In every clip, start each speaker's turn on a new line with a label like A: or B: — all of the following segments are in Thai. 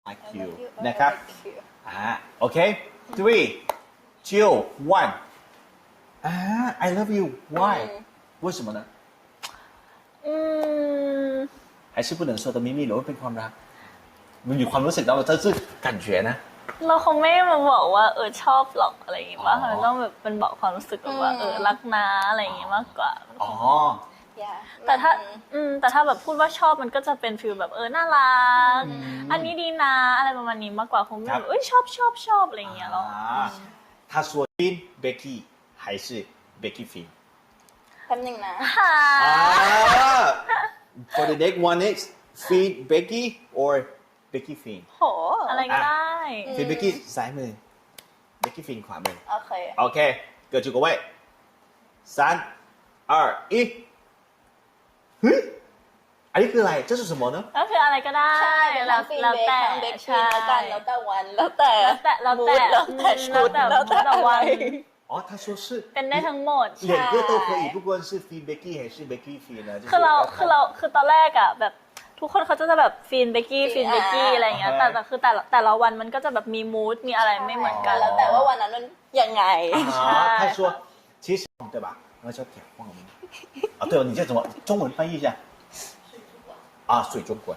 A: like you นะครับโอเค three two one I love you why 为什么呢还是不能说的秘密หรือว่าเป็นความรักมันมีความรู้สึกแล้วมันจะ感觉นะ
B: เราคงไม่มาบอกว่าชอบหรอกอะไรอย่างงี้ป่ะเราต้องแบบเป็นบอกความรู้สึกแบบว่ารักนะอะไรอย่างงี้มากกว่า
A: อ๋อ
B: แต่ถ้าแบบพูดว่าชอบมันก็จะเป็นฟีลแบบน่ารักอันนี้ดีนะอะไรประมาณนี้มากกว่าคงไม่แบบชอบอะไรอย่างเงี้ยหรอก
A: 他说 Finn Becky 还是 Becky Finn
C: แป๊บนึงนะ
A: for the next one is Finn Becky or Becky Finn
C: โห
B: อะไรก็ได้
A: Finn Becky ซ้ายมือ Becky Finn ขวามือโอเคเกิดจุกเอาไว้3 2 1เฮ้ยอันนี้คืออะไร这是什么呢
B: ก็คืออะไรก็ได้
C: ใช่แล้วแต่เบคฟินแล้วกันแล้วแต่วันแล้วแต่ชุดแล้วแต่วัน
A: อ๋อ他说是
B: เป็นได้ทั้งหมด
A: 两个都可以不管是 Finn Becky 还是 Becky Finn นะ
B: คือตอนแรกอ่ะแบบทุกคนเขาจะแบบฟินเบกกี้อะไรอย่างเงี้ยแต่คือแต่ละวันมันก็จะแบบมีมูดมีอะไรไม่เหมือนกัน
C: แล้วแต่ว่าวันนั้นมันยังไง
A: 他说其实对吧那叫点晃啊对哦你这怎么中文翻译一下水中滚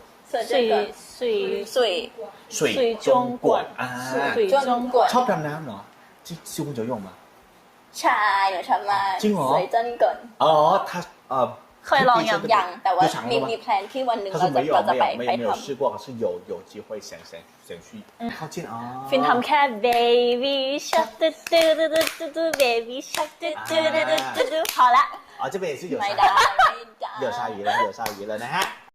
B: 水中滚
C: 水中滚
A: ชอบดำน้ำเหรอที่ซิวคุณจะ用吗
C: ใช่หนูชอบมาก
A: จริงเหรอ
C: 水中滚
A: อ๋อ他
B: เคยลอง
C: ยังแต่ว่ามีแพลนที่วันหนึ่งเราจะไป
A: 没有试过可是有机会想去靠近啊
B: ฟินทำแค่ baby shark 嘟嘟 baby shark 嘟พอละ
A: 这边也是有鲨鱼了นะฮะ